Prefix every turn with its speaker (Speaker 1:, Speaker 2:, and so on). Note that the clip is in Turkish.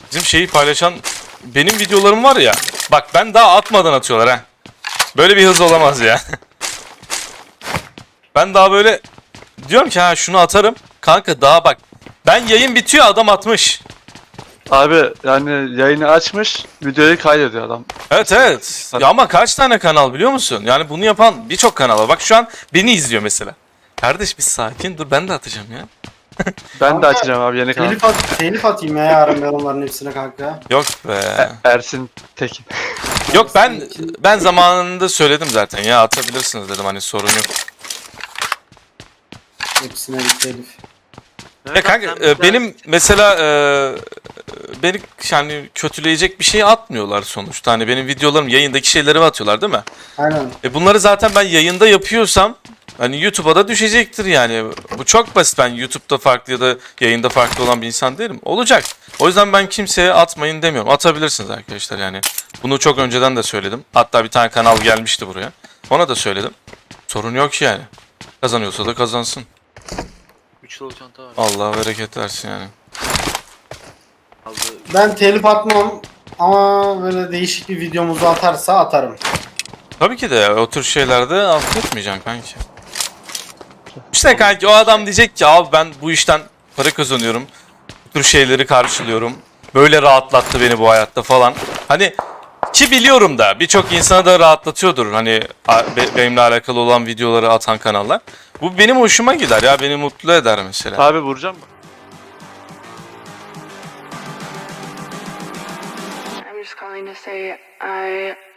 Speaker 1: Bizim şeyi paylaşan benim videolarım var ya. Bak ben daha atmadan atıyorlar ha. Böyle bir hız olamaz ya. Ben daha böyle diyorum ki ha şunu atarım. Kanka daha bak. Ben yayın bitiyor adam atmış.
Speaker 2: Abi yani yayını açmış, videoyu kaydediyor adam.
Speaker 1: Evet evet. Ya ama kaç tane kanal biliyor musun? Yani bunu yapan birçok kanal var. Bak şu an beni izliyor mesela. Kardeş bir sakin dur ben de atacağım ya.
Speaker 2: Ben de
Speaker 3: Kanka,
Speaker 2: açacağım abi yeni kanal.
Speaker 3: telif atayım ya yarın ben onların hepsine kanka.
Speaker 1: Yok be.
Speaker 2: Ersin Tekin.
Speaker 1: Yok ben zamanında söyledim zaten ya atabilirsiniz dedim hani sorun yok.
Speaker 3: Hepsine bir telif.
Speaker 1: Ya kanka benim mesela beni yani kötüleyecek bir şey atmıyorlar sonuçta. Hani benim videolarım yayındaki şeyleri atıyorlar değil mi?
Speaker 3: Aynen.
Speaker 1: Bunları zaten ben yayında yapıyorsam hani YouTube'a da düşecektir yani. Bu çok basit. Ben YouTube'da farklı ya da yayında farklı olan bir insan değilim. Olacak. O yüzden ben kimseye atmayın demiyorum. Atabilirsiniz arkadaşlar yani. Bunu çok önceden de söyledim. Hatta bir tane kanal gelmişti buraya. Ona da söyledim. Sorun yok yani. Kazanıyorsa da kazansın.
Speaker 4: 3 yıl çanta var.
Speaker 1: Allah bereket versin yani.
Speaker 4: Aldı.
Speaker 3: Ben telif atmam ama böyle değişik bir videomuzu atarsa atarım.
Speaker 1: Tabii ki de o tür şeylerde affetmeyeceksin kanki. İşte kanki o adam diyecek ki abi ben bu işten para kazanıyorum. Bu tür şeyleri karşılıyorum. Böyle rahatlattı beni bu hayatta falan. Hani ki biliyorum da birçok insana da rahatlatıyordur. Hani benimle alakalı olan videoları atan kanallar. Bu benim hoşuma gider ya beni mutlu eder mesela.
Speaker 2: Abi vuracağım mı?
Speaker 5: I'm just calling to say I